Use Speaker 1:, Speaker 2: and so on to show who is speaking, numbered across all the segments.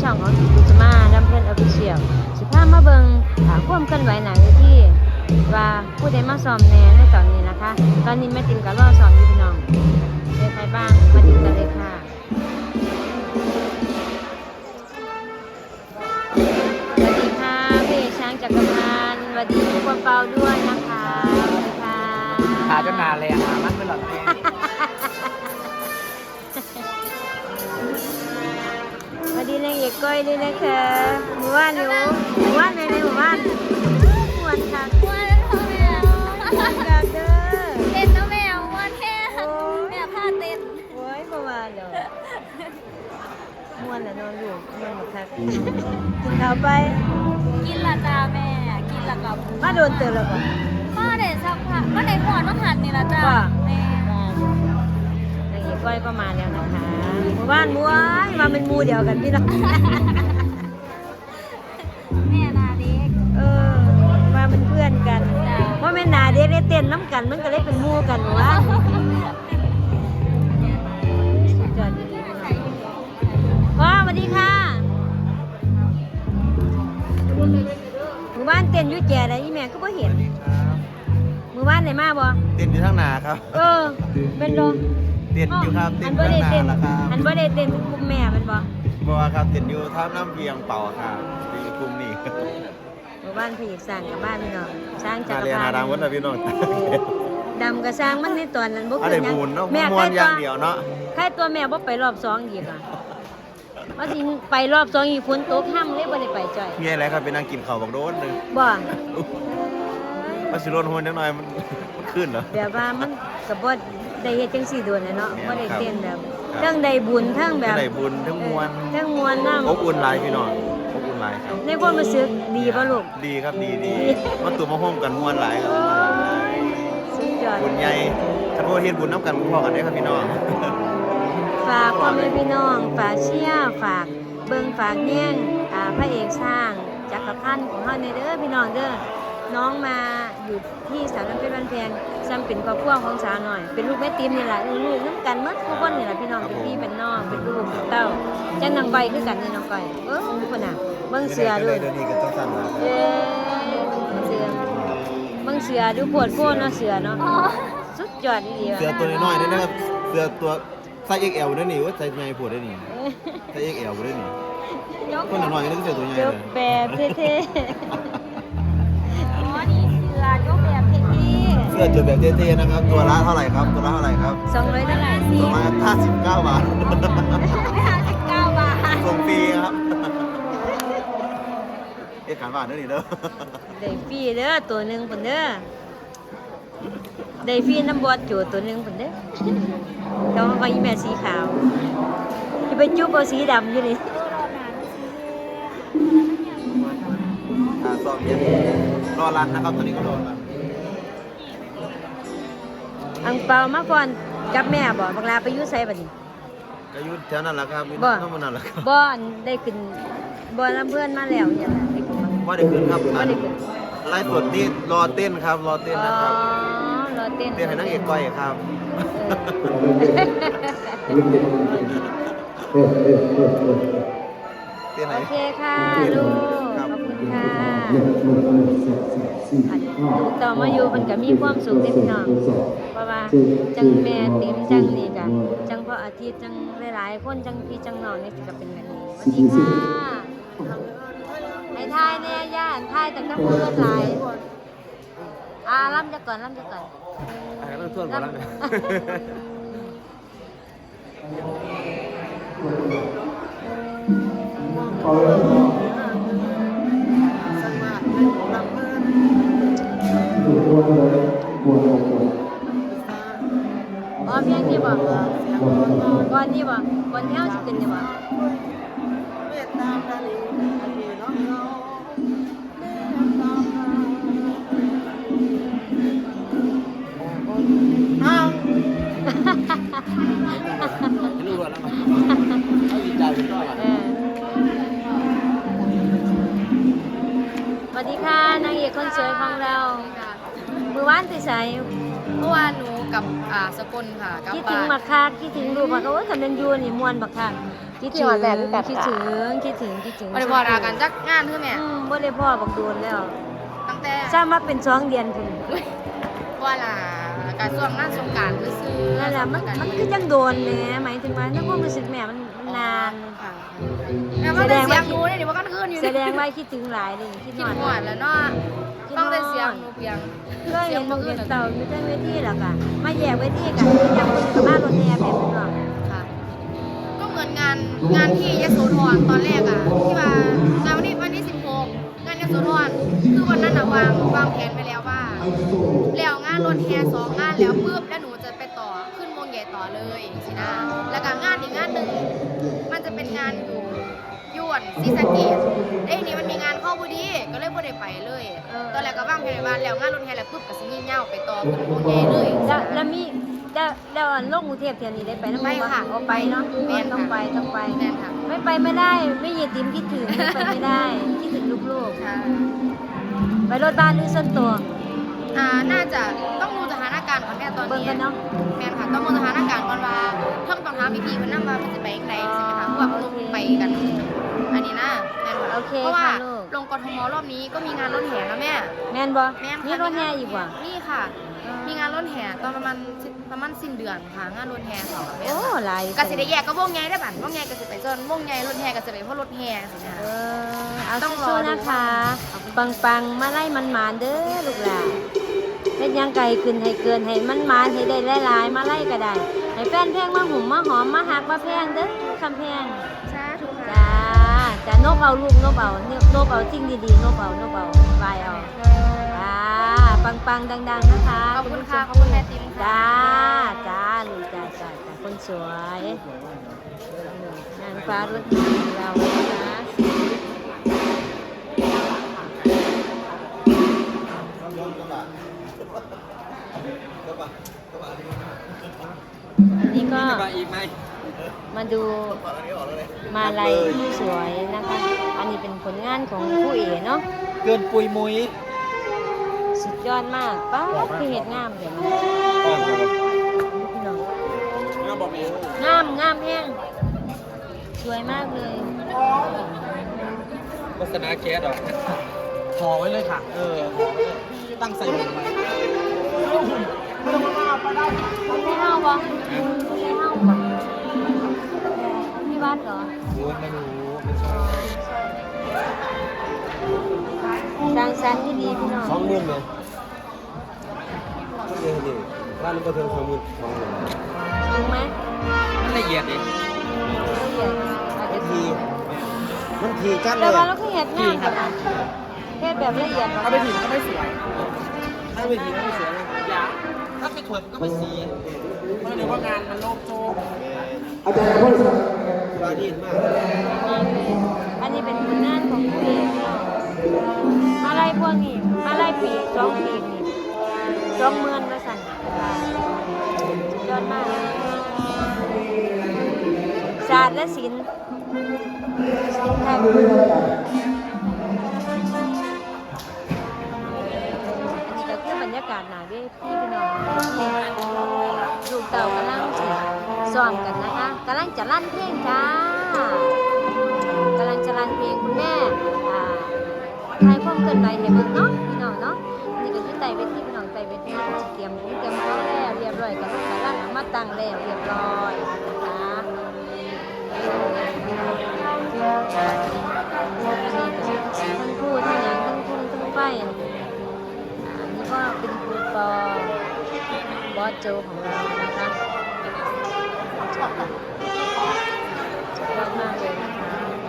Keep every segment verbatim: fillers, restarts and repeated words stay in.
Speaker 1: องของกุศมาดำเพื่อนออฟฟิเชียลสิพามาเบิ่งความเคลื่อนไหวหนังที่ว่าผู้ใดมาซ้อมแน่ในตอนนี้นะคะ ตอนนี้แม่ติ๋มก็รอซ้อมอยู่พี่น้องเป็นใครบ้างมาดูกันเลยค่ะสวัสดีค่ะพี่ช้างจักรพันธ์สวัสดีทุกคนเปาด้วยนะคะสวัสดีค่ะ
Speaker 2: ขาจะนานเลยอ่ะมันเป็นหลอด
Speaker 1: สวัสดีนางเอกก้อยด้วยนะคะหมู่บ้านหนูหมู่บ้านในในหมู่บ้านมวนค่ะมวนพ่อแมวมวนกับเด้อ
Speaker 3: เต้นน้องแมวมวนแท้แม่ผ้าเต้น
Speaker 1: โอ้ยประมาณเด้อมวนแล้วนอนอยู่มวนหมดค่ะกินข้าวไป
Speaker 3: กินละจ้าแม่กินละกับ
Speaker 1: มาโดนเตือนแล้วป่ะ
Speaker 3: มาเด็ดสักพักมาเด็ดก่อนต้องหันนี่ละจ้าแม่
Speaker 1: นางเอกก้อยก็มาแล้วนะคะหมู่บ้านม้วนมาเป็นมูเดียวกันพี่น้อง
Speaker 3: แม่นาเด็ก
Speaker 1: เออมาเป็นเพื่อนกันเพราะแม่นาเด็กได้เต้นน้ำกันมันก็เลยเป็นมูกันวะจอดดีๆว้าสวัสดีค่ะหมู่บ้านเต้นยุ่ยแก่อะไรยี่แม่ก็ไม่เห็นหมู่บ้านไหนมาบ่
Speaker 2: เต้นอยู่ทั้งนาครับ
Speaker 1: เออเป็นโด
Speaker 2: เต้นอยู่ครับเต้นอยู่ทั้งนาละครับ
Speaker 1: อันบ่ได้เต้นกลุ่มแม่เป็นบ่
Speaker 2: บ่ครับเต้นอยู่ท่าน้ำเพียงเป่าครับในกลุ่มนี้
Speaker 1: หมู่บ้านพี่สร้างกับบ้านพี่น้องสร้างจักรพรรดิ
Speaker 2: เรียนหาดังวัดนะพี่น้อง
Speaker 1: ดำกับสร้างมันในตอนนั้นบ่
Speaker 2: คือหยังแม่มวนอย่างเดียวเนาะ
Speaker 1: ใครตัวแม่บ่ไปรอบสองอีกอ่ะว่าสิไปรอบสองอีกฝนตกห้ำเลยบ่ได้ไปจ่อย
Speaker 2: มีอะไรครับไปนั่งกินข้าวบักโดนนึง
Speaker 1: บ่
Speaker 2: ว่าสิโดนโหนจังหน่อยมันมันขึ้นเหรอ
Speaker 1: แบบว่ามันก็บ่ได้เฮ็ดจังซี่โดนเนาะบ่ได้เต้นแบบทั้งได้บุญทั้งแบบ
Speaker 2: ได้บุญทั้งมวล
Speaker 1: ทั้งมวลนำ
Speaker 2: อบอุ่นหลายพี่น้องอบอุ่นหลายครับ
Speaker 1: ในความรู้สึกดีบ่ลูก
Speaker 2: ดีครับดีดีมาตุ่มมาโฮมกันมวลหลายครับ
Speaker 1: สุดยอด
Speaker 2: บุญใหญ่คันว่าเฮ็ดบุญนำกันพอกันได้ครับพี่น้อง
Speaker 1: ฝากพ่อแม่พี่น้องฝากเชียร์ฝากเบิ่งฝากแย่งอ่าพระเอกสร้างจักรพันธ์ของเฮาในเด้อพี่น้องเด้อน้องมาอยู่ที่สาวน้ำเพชรบ้านแพงซ้ำเป็นครอบครัวของสาวหน่อยเป็นลูกแม่ติ๋มนี่แหละลูกน้ำกันหมดทุกคนนี่แหละพี่น้องเป็นพี่เป็นน้องเป็นลูกเป็นเต้าจังนางใบคือกันนี่น้องก้อยเออคนน่ะเบิ่งเสือด้วย
Speaker 2: เดี๋ยวนี้ก็ต้องสั่นนะ
Speaker 1: เออเสือเบิ่งเสือดูปวดโพนเนาะเสือเนาะสุดยอดดีๆ
Speaker 2: เสือตัวน้อยๆนี่นะครับเสือตัวไซส์ เอ็กซ์ แอล นั่นนี่ว่าไซส์ใหญ่ปวดได้นี่ไซส์ เอ็กซ์ แอล ได้นี่คนน้อยๆนี่ก็เสือตัวใหญ่เลย
Speaker 1: แปบเท่
Speaker 3: อ๋อนี่เสือยกแบบเท่
Speaker 2: เสื้อจุดแบบเท่ๆนะครับตัวละเท่าไหร่ครับตัวละเท่าไหร่ครับ
Speaker 1: สองร้อยเท่าไหร่
Speaker 2: สองร้อยห้าสิบเก้าบาท
Speaker 3: ไม่ห้าสิบเก้าบาท
Speaker 2: ส่งฟรีครับเอ๊ะขายบาทเด้อนี่เด้อ
Speaker 1: ได้ฟรีเด้อตัวหนึ่งคนเด้อได้ฟรีน้ำบอดจูตัวหนึ่งคนเด้อเขาก็อีแม่สีขาวที่ไปจุ๊บเอาสีดำอยู่นี่
Speaker 2: สอบเย็นรอรันนะครับตอนนี้ก็รอรัน
Speaker 1: อังเปามาก่อนกับแม่บ่บังลาไปยุ่ไสบัดนี้
Speaker 2: ก็ยุ่แถวนั้นแหละครับ
Speaker 1: บ่
Speaker 2: นั่นแหละครับ
Speaker 1: บ่ได้ขึ้นบ่ลำเพื่อนมาแล้วเนี่ยได้ขึ้น
Speaker 2: บ่ได้ขึ้นครับบ่ได้ขึ้นไล่สดนี่รอเต้นครับรอเต้นนะครับ
Speaker 1: อ๋อรอเต้น
Speaker 2: เต้นให้นางเอกก้อยครับ
Speaker 1: โอเคค่ะลูกขอบคุณค่ะลูกต่อมาอยู่มันก็มีความสุขที่พี่น้องเพราะว่าจังแม่ติ๋มจังนี่กันจังพ่ออาทิตย์จังหลายๆคนจังพี่จังน้องนี่ก็เป็นแบบนี้สวัสดีค่ะให้ทายแน่ย่านทายแต่ก็พูดหลายอ่าล่ำจะก่อนล่ำจะก่อน
Speaker 2: อ่าเริ่มทวนก่อนแล้วเนี่ย
Speaker 1: อ๋อเพียงนี่บ่ก่อนนี่บ่ก่อนที่เฮาสิขึ้นนี่บ่
Speaker 2: อ้าวรู้ว่าแล้วมั้ยเอาดีใจเป็นก้อย
Speaker 1: สวัสดีค่ะนางเอกคนสวยของเราเมื่อวานที่ไส
Speaker 3: เมื่อวานหนูกับอ่าสกลค่ะกลับ
Speaker 1: คิดถึ
Speaker 3: บ้าง น
Speaker 1: มาคักคิดถึงลูกมาเขาว่าทำเป็นยูนี่มวนบักคักคิดถึงคิดถึงคิดถึงคิดถึง
Speaker 3: บ่ได้พอดากันจักงานคือแม่
Speaker 1: อืมบ่ได้พ่อบักโดนแล้ว
Speaker 3: ตั้งแต่
Speaker 1: ทราบมาเป็นสองเดือนพุ่น
Speaker 3: ว่าล่ะการช่วงงานสงกรานต์ซื่อๆ
Speaker 1: นั่นแหละมันมันคือจังโดนแหมหมายถึงว่าในความรู้สึกแม่มันมันนาน
Speaker 3: ค่ะแม่ว่าแต่เสียงหนูเนี่ยนี่ว่ากันคืนอยู่
Speaker 1: แสดงว่าคิดถึงหลายเลยคิด
Speaker 3: คิ
Speaker 1: ห
Speaker 3: ด
Speaker 1: อด
Speaker 3: หวดแล้วเนาะฟังแต่เสียงหนูเพียง
Speaker 1: ก็เห็นลูกเห็นเต่าอยู่ที่เวทีแล้วก็มาแยกเวทีกันยังคนกับบ้านรถแห่แบบนี้เนาะ
Speaker 3: ค่ะก็เหมือนงานงานที่ยโสธรตอนแรกอ่ะที่ว่างานวันนี้วันที่สิบหกงานยโสธรคือวันนั้นอะวางวางแผนไปแล้วว่าแล้วงานรถแห่สองงานแล้วปุ๊บแล้วหนูจะไปต่อขึ้นวงใหญ่ต่อเลยสินะแล้วก็งานอีกงานหนึ่งมันจะเป็นงานอยู่ยวนศรีสะเกษเอ้ยนี่มันมีงานเข้าพอดีก็เลยบ่ได้ไปเลย ตอนแรกก็วางแผนไว้ว่าแล้วงานรถแห่แล้วปุ๊บก็สิยิ่งเง่าไปต่อขึ้นวงใหญ่เลย
Speaker 1: แล้วแล้วมีแล้วแล้วอันโลกกรุงเทพเที่ยวนี้ได้ไปน้ำ
Speaker 3: ไป
Speaker 1: มันบ่
Speaker 3: ค่ะ
Speaker 1: เอาไปเนาะ
Speaker 3: แม่นค่ะ
Speaker 1: ต้องไปต้องไป
Speaker 3: แม่นค่ะ
Speaker 1: ไม่ไปไม่ได้ไม่ยีติ๋มคิดถึงไม่ไปไม่ได้คิดถึงลูก
Speaker 3: ค่ะ
Speaker 1: ๆไปรถบ้านหรือส่วนตัว
Speaker 3: อ่า น่าจะต้องดูสถานการณ์ก่อนแม่ตอน
Speaker 1: เบิ่ง
Speaker 3: นี้
Speaker 1: กันเนาะ
Speaker 3: แม่นค่ะ ต้องดูสถานการณ์ก่อนว่าเพิ่งต้องถามพี่ๆเพิ่นนำว่ามันจะไปยังไงใช่ไหมคะเพราะว่าลงไปกัน อันนี้นะแม่นค่ะ
Speaker 1: โอเค
Speaker 3: เพราะว่า
Speaker 1: ค่ะลูก
Speaker 3: ลงกทมรอบนี้ก็มีงานรถแห่นะแม่
Speaker 1: แม่นบ่
Speaker 3: แม่นค่ะ
Speaker 1: มีรถแห่อีกว่ะ
Speaker 3: นี่ค่ะ มีงานรถแห่ตอนประมาณประมาณสิ้นเดือนค่ะงานรถแห่เขาแม่น
Speaker 1: โอ้
Speaker 3: ค่ะ
Speaker 1: หลาย
Speaker 3: ก็สิได้แยกก็วงใหญ่ได้บัดวงใหญ่ก็สิไปจนวงใหญ่รถแห่ก็สิไปเพราะรถแห่สินะ
Speaker 1: เออเอา
Speaker 3: ต้องรอ
Speaker 1: สู้
Speaker 3: ดู
Speaker 1: ๆนะคะปังปังๆมาไล่มันหมานๆเด้อลูกหลานเฮ็ดหยังไกลขึ้นให้เกินให้มันหมานให้ได้หลายๆมาไล่ก็ได้ให้แฟนเพลงมาหุ่มมาหอมมาหักมาแพงเด้อคำแพง
Speaker 3: สาธุค่ะ
Speaker 1: จ้าจ้านบเอาลูกนบเอาเนี่ยนบเอาจริงดีๆนบเอานบเอาบายเอาจ้าปังปังๆดังๆนะคะ
Speaker 3: ขอบคุณค่ะขอบคุณแม่ติ๋มค่ะ
Speaker 1: จ้าจ้าลูกจ้าจ้าจ้าคนสวยนางฟ้ารถดีเรานะคะอันนี้ก็
Speaker 2: มาอีกไหม
Speaker 1: มาดูมาลัยสวยนะคะ อันนี้เป็นผลงานของผู้เอ๋เนาะ
Speaker 2: เกินปุยมุย
Speaker 1: สุดยอดมากป้าดคือเห็ดงามเดี๋ยวนะพี่น้อง
Speaker 2: งามบอกมี
Speaker 1: งามงามแห้งสวยมากเลย
Speaker 2: โฆษณาแก๊สหรอห่อไว้เลยค่ะ เออตั้งใส่หมวกไว้
Speaker 1: ไม่เฮาบ่ไม่เฮาบ่พี่วัดเหรอ
Speaker 2: โอ้ยไม่รู้
Speaker 1: ดังสันที่ดีพี่น้อง
Speaker 2: สองหมื่นไหมเดี๋ยวดิร้านนี้ก็เทิงสองหมื่นสองหมื่น
Speaker 1: จริงไหม
Speaker 2: มันละเอียดดิ
Speaker 1: ละเอียดอาจจะ
Speaker 2: ทีมันทีจัดเล
Speaker 1: แต่
Speaker 2: ย
Speaker 1: ว่าเราก็เห็ดงามแบบเฮ็ดแบบละเอียดบ่
Speaker 2: ถ้าไปถีบก็ไม่สวยถ้าไปถีบก็ไม่สวยอยาถ้าไปถวยมันก็ไม่สีเพราะเดี๋ยวว่างานมันโลกโจกอาจารย์พูดบาดีมาก
Speaker 1: อันนี้เป็นผลงานของผู้เอกเนาะมาไล่พวกนี้มาไล่ปีกสองปีกนี่สองหมื่นว่าสั่นสุดยอดมากศาสตร์และศิลป์ศิลป์ไทยอันนี้ก็คือบรรยากาศหนาเวทีพี่น้องที่ลูกเต่ากำลังสิซ้อมกันนะคะกำลังจะลั่นเพลงจ้ากำลังจะรันเพลงคุณแม่อ่าทายความเกินไปให้เบิ่งเนาะพี่น้องเนาะนี่ก็คือไต่เวทีพี่น้องไต่เวทีเตรียมหูเตรียมพร้อมแล้วเรียบร้อยกันกำลังเอามาตั้งแล้วเรียบร้อยนะคะทั้งพูดทั้งหยังทั้งพุ่งทั้งไฟอันนี้ก็เป็นครูปอบอสโจของเรานะคะสุดยอดมากเลยนะคะ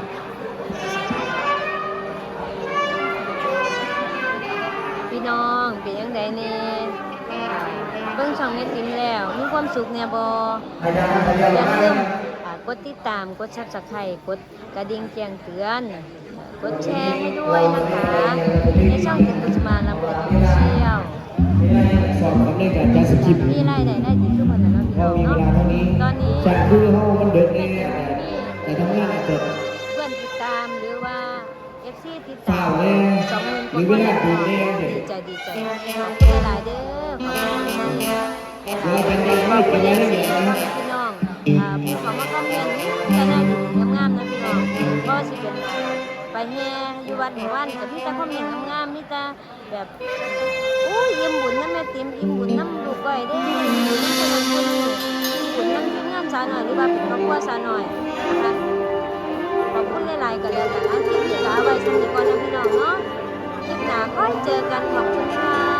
Speaker 1: พี่น้องเป็นยังไงเนี่ยเบิ่งช่องแม่ติ๋มแล้วมีความสุขเนี่ยบ่อย่าลืมอ่ากดติดตามกด ซับสไครบ์ กดกระดิ่งแจ้งเตือนกดแชร์ให้ด้วยนะคะในช่องติ๋มกุศมาลำเพิดออฟฟิเชียล
Speaker 4: สอบสำเร็จการจัดสคริปต์
Speaker 1: มีรายได้ได้ดีทุกคนนะพี่
Speaker 4: พ
Speaker 1: น้
Speaker 4: อ
Speaker 1: อง
Speaker 4: มีเว
Speaker 1: เนาะ
Speaker 4: ลาเท่านี้
Speaker 1: ตอนนี้
Speaker 4: จากคือเฮามันเดินเอ
Speaker 1: แม่
Speaker 4: ง
Speaker 1: ติ๋มมี
Speaker 4: แต่ทำงานอาจจะ
Speaker 1: เพื่อนติดตามหรือว่า เอฟ ซี ติด
Speaker 4: ฝ่า
Speaker 1: ตาม
Speaker 4: แน่
Speaker 1: สองหมื่น
Speaker 4: หรือเวลาดูแน่
Speaker 1: ดีใจดีใจขอบคุณหลายๆเด้อขอบคุณ
Speaker 4: เวลาจังยังไม่เจอแล้วเนี่ยนะ
Speaker 1: พี่น้องอ่าผู้เขามาคอมเมนต์แต่น่าดีงามๆนะพี่น้องก็สิเป็นไปแห่อยู่วัดหมู่บ้านก็มีแต่คอมเมนต์งามๆมีแต่แบบอุ้ยอิ่มบุญนะแม่ติ๋มอิ่มบุญน้ำลูกก้อยเด้อิ่มบุญน้ำคนนั้นคนนี้อิ่มบุญน้ำทีมงานสาวหน่อยหรือว่าเป็นครอบครัวสาวหน่อยนะคะขอบคุณหลายๆกันแล้วกันอันที่พี่กาไว้สนิทก่อนนะพี่น้องเนาะคลิปหน้าก็เจอกันขอบคุณค่ะ